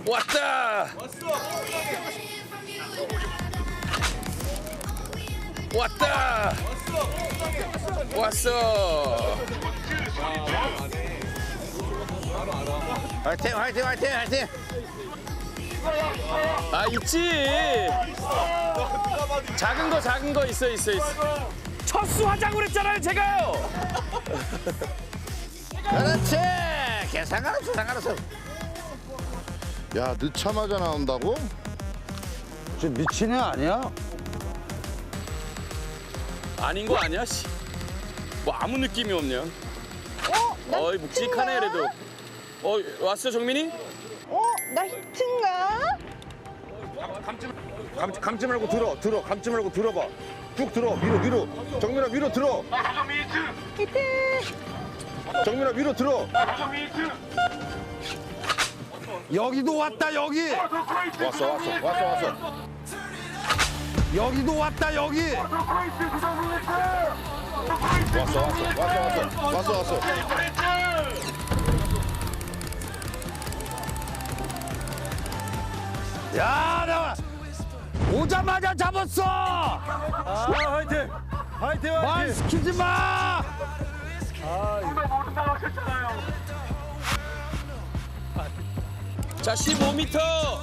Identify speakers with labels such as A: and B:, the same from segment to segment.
A: 왔다. 왔다. 왔어.
B: 화이팅 화이팅 화이팅 화이팅.
A: 아 있지. 작은 거 있어. 첫수 화장을 했잖아요 제가요.
B: 그렇지. 상관없어 상관없어.
C: 야, 늦자마자 나온다고?
B: 저 미친 애 아니야?
A: 아닌 거 아니야? 씨. 뭐 아무 느낌이 없냐?
D: 나
A: 어이 묵직하네
D: 히트인가?
A: 그래도. 왔어 정민이?
D: 나 히트인가?
C: 감지 말고 들어. 감지 말고 들어봐. 쭉 들어. 위로. 정민아, 위로 들어.
D: 히트.
C: 정민아, 위로 들어.
B: 여기도 왔다 여기.
C: 왔어.
B: 여기도 왔다 여기.
C: 왔어.
B: 야, 나 오자마자 잡았어.
E: 화이팅
B: 말 시키지 마.
A: 자 15m.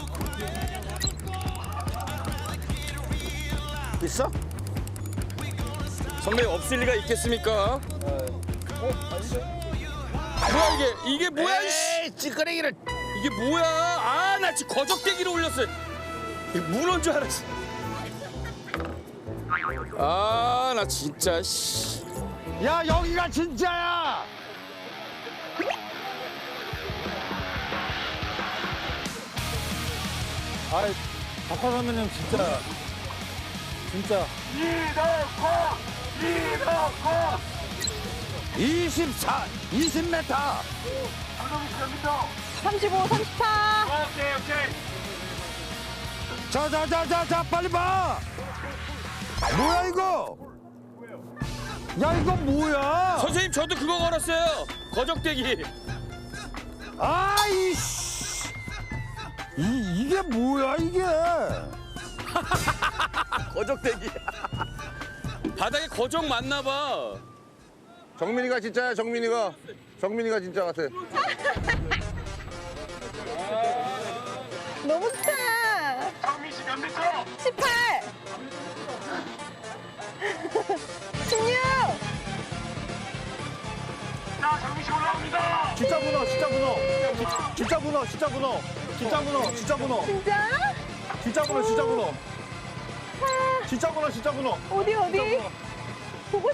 B: 있어?
A: 선배 없을 리가 있겠습니까? 뭐야 이게 뭐야 이씨.
B: 에이, 찌끄레기를.
A: 이게 뭐야? 아, 나 지금 거적대기로 올렸어요. 문어인 줄 알았어. 아, 나 진짜 씨.
B: 야, 여기가 진짜야.
E: 아이 박화 선배님 진짜
B: 20m.
D: 35, 34.
B: 자, 빨리 봐. 뭐야 이거? 야, 이거 뭐야?
A: 선생님 저도 그거 걸었어요. 거적대기.
B: 아이씨. 이게 뭐야 이게?
A: 거적대기. 바닥에 거적 맞나 봐.
C: 정민이가 진짜야, 정민이가 진짜 같아.
D: 너무 좋다. 정민 씨 몇 미터? 18. 16.
E: 진짜 문어
D: 진짜? 어디? 보고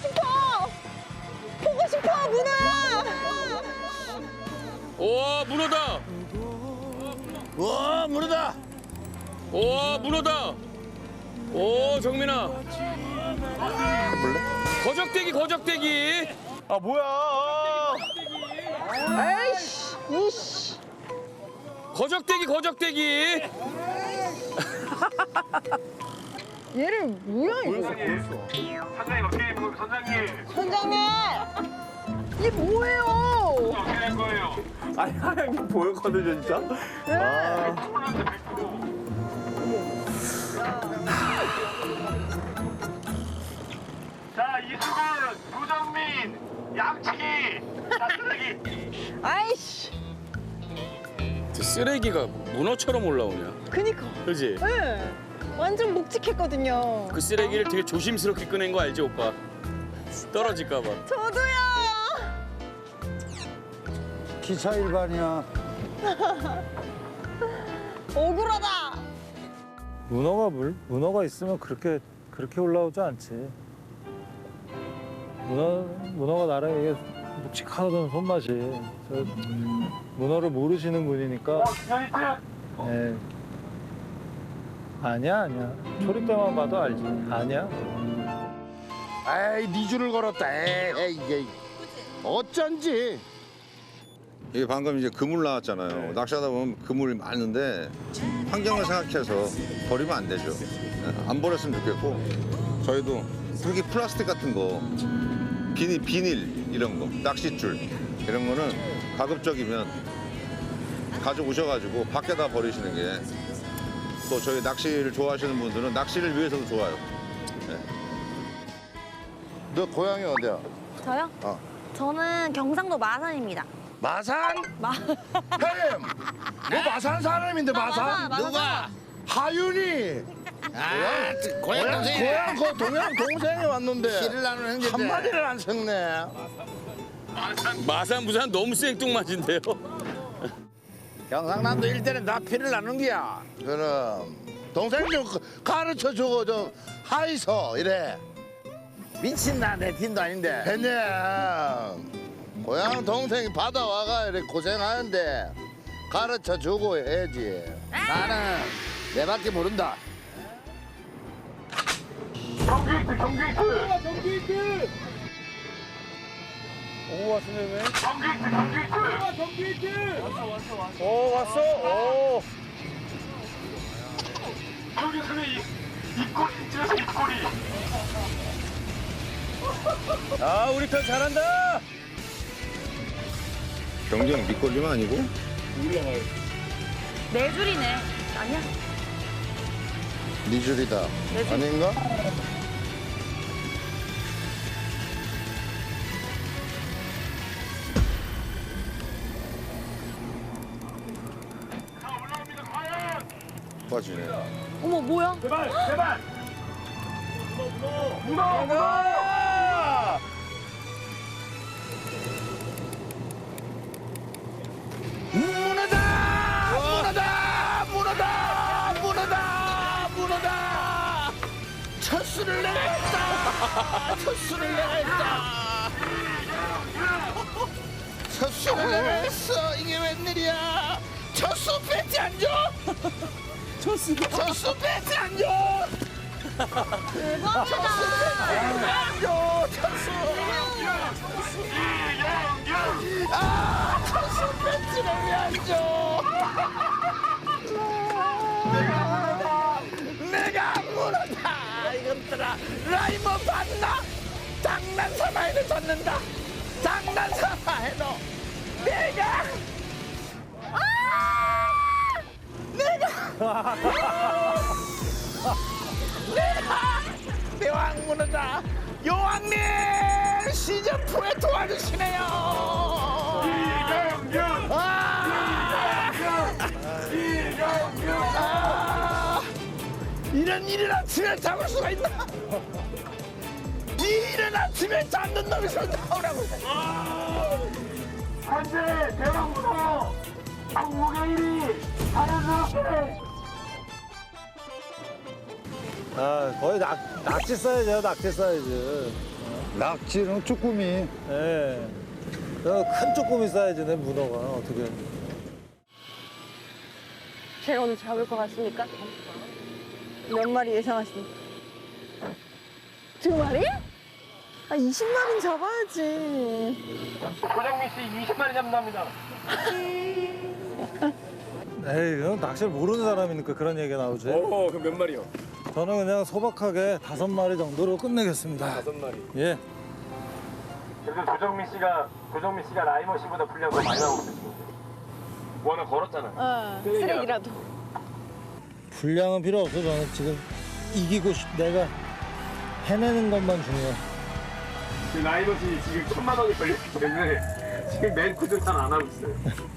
D: 싶어 문어.
A: 오, 문어다.
B: 와, 물어다.
A: 오, 문어다. 오, 정민아. 거적대기.
E: 아 뭐야
D: 에이씨. 이씨.
A: 거적대기.
D: 얘를 뭐야 이거?
F: 선장님 어떻게 된 선장님
D: 선장님. 이게 뭐예요?
F: 어떻게 된 거예요?
E: 아니 하얀 게 보였거든요 진짜
D: 네.
F: 콜란드 100%. 자 이수근, 조정민, 양치기, 자 쓰레기.
D: 아이씨.
A: 저 쓰레기가 문어처럼 올라오냐?
D: 그니까.
A: 그지?
D: 네. 완전 묵직했거든요.
A: 그 쓰레기를 되게 조심스럽게 꺼낸 거 알지, 오빠? 떨어질까 봐.
D: 저도요.
B: 기차 일반이야.
D: 억울하다.
E: 문어가 있으면 그렇게 올라오지 않지 문어가 나랑 이게 묵직하던 손맛이 저 문어를 모르시는 분이니까
F: 기현이트.
E: 예. 아니야 초리 때만 봐도 알지 아니야
C: 에이, 네 줄을 걸었다. 에이, 이게 어쩐지.
G: 이게 방금 이제 그물 나왔잖아요. 낚시하다 보면 그물이 많은데 환경을 생각해서 버리면 안 되죠. 안 버렸으면 좋겠고 저희도 특히 플라스틱 같은 거 비닐 이런 거 낚싯줄 이런 거는 가급적이면 가져오셔가지고 밖에다 버리시는 게 또 저희 낚시를 좋아하시는 분들은 낚시를 위해서도 좋아요.
C: 너 고향이 어디야?
D: 저요? 저는 경상도 마산입니다.
B: 마산?
D: 마...
B: 형님, 너 마산 사람인데 마산?
D: 누가?
B: 하윤이. 고향 그 동양 동생이 왔는데 한 마디를 안 섞네.
A: 마산 부산 너무 생뚱맞은데요.
B: 경상남도 일대는 다 피를 나는 거야. 그럼 동생 좀 가르쳐 주고 좀 하이소 이래. 미친다 내 팀도 아닌데. 그냥 고향 동생이 바다 와가 이렇게 고생하는데 가르쳐 주고 해야지. 나는 내밖에 모른다.
F: 경기이트 경기이트
E: 오 왔으네 왜?
F: 경기이트
E: 오 왔어. 오.
F: 경기이트는 입꼬리 찔러서 입꼬리
E: 아 우리 편 잘한다.
G: 경쟁 밑걸림은 아니고
D: 네 줄이네. 아니야?
C: 네 줄이다. 아닌가?
F: 자 올라옵니다 과연
G: 빠지네.
D: 어머 뭐야?
F: 제발 제발 문어 문어
B: 문어다. 첫수를 내가 했다. 첫수를 내가 했다. 첫수를 내가 했어. 이게 웬일이야? 첫수 배지 안 줘? 첫수 배지 안 줘?
D: 대박이다.
B: 안 줘. 첫수. 아, 첫수 배지를 왜 안 줘? 내가 문어다. 이것들아 라이머 봤나? 장난삼아에도 졌는다. 장난삼아에도 내가 대왕 문어다. 여왕님 시즌2에 도와주시네요. 이런 이른 아침에 잡을 수가 있나? 이 이른 아침에 잡는 놈이 서 나오라고.
F: 현재 대왕 문어 한국의 1위 자연스럽게
E: 아 거의 낙지 사이즈야 낙지 사이즈.
B: 낙지는 쭈꾸미.
E: 예. 큰 쪼꼬미 사이즈네 문어가 어떻게.
D: 제가 오늘 잡을 것 같습니까? 몇 마리 예상하십니까? 2마리? 아 20마리는 잡아야지.
F: 고정민 씨 20마리 잡는답니다.
E: 에이 그럼 낚시를 모르는 사람이니까 그런 얘기가 나오지.
A: 오, 그럼 몇 마리요?
E: 저는 그냥 소박하게 5마리 정도로 끝내겠습니다.
A: 5마리.
E: 예.
F: 그래도 조정민 씨가 라이머 씨보다 분량 더 많이 나오고 있어요. 뭐 하나 걸었잖아.
D: 쓰레기라도.
E: 분량은 필요 없어. 저는 지금 이기고 내가 해내는 것만 중요해.
F: 그 라이머 씨 지금 1,000만 원이 걸렸기 때문에 지금 멘트도 잘 안 하고 있어요.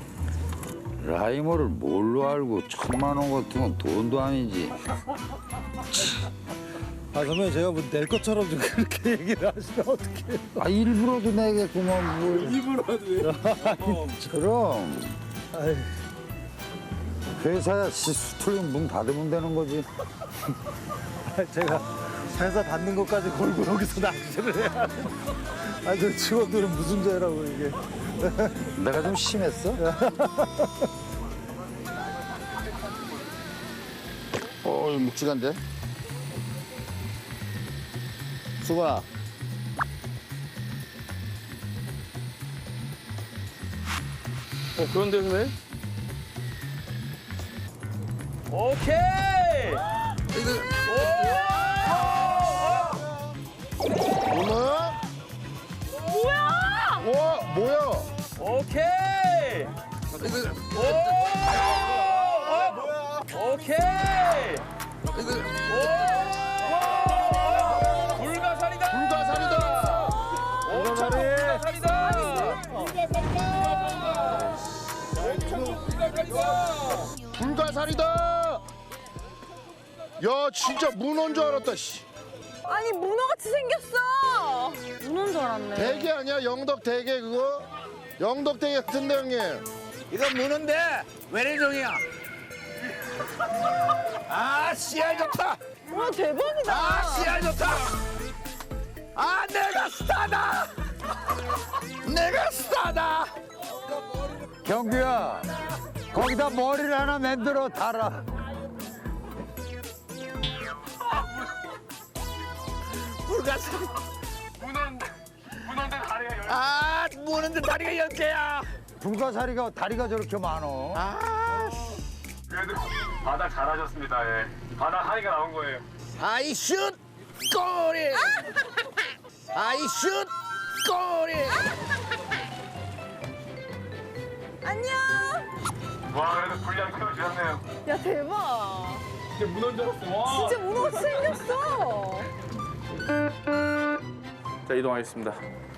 B: 라이머를 뭘로 알고 1,000만 원 같은 건 돈도 아니지.
E: 아 그러면 제가 뭐 낼 것처럼 좀 그렇게 얘기를 하시면 어떡해.
B: 아 일부러도 내겠구만 뭘.
A: 일부러도.
B: 그럼
E: 아이,
B: 회사야 수틀림 문 닫으면 되는 거지.
E: 제가 회사 받는 것까지 걸고 여기서 낚시를 해야 돼. 아니 저 직원들은 무슨 죄라고 이게.
B: 내가 좀 심했어?
C: 이거 묵직한데? 수건아.
A: 그런데 선배? 오케이!
C: 문어야?
D: 뭐야?
C: 와, 뭐야?
A: 오케이! 오! 오케이. 오! 불가사리다.
B: 불가사리다.
A: 불가사리다.
B: 불가사리다. 야 진짜 문어인 줄 알았다. 씨.
D: 아니 문어같이 생겼어. 문어인 줄 알았네.
B: 대게 아니야? 영덕 대게 그거? 영덕 대게 같은데 형님.
A: 이건 문어인데 외래종이야. 아 씨알 좋다.
D: 와 대박이다.
A: 아 씨알 좋다. 아 내가 스타다. 내가 스타다.
E: 경규야, 거기다 머리를 하나 만들어 달아.
A: 불가사리.
F: 문어인데 다리가 열.
A: 아 문어인데 다리가 10개야.
E: 불가사리가 다리가 저렇게 많어.
F: 그래도 바다 잘하셨습니다. 예. 바다 하니까 나온 거예요.
A: 아이 슛 꼬리. 아이 슛 꼬리.
D: 안녕.
F: 와 그래도 분량 키워주셨네요.
D: 야 대박.
F: 진짜 문어인 줄 알았어. 와.
D: 진짜 문어같이 생겼어.
F: 자 이동하겠습니다.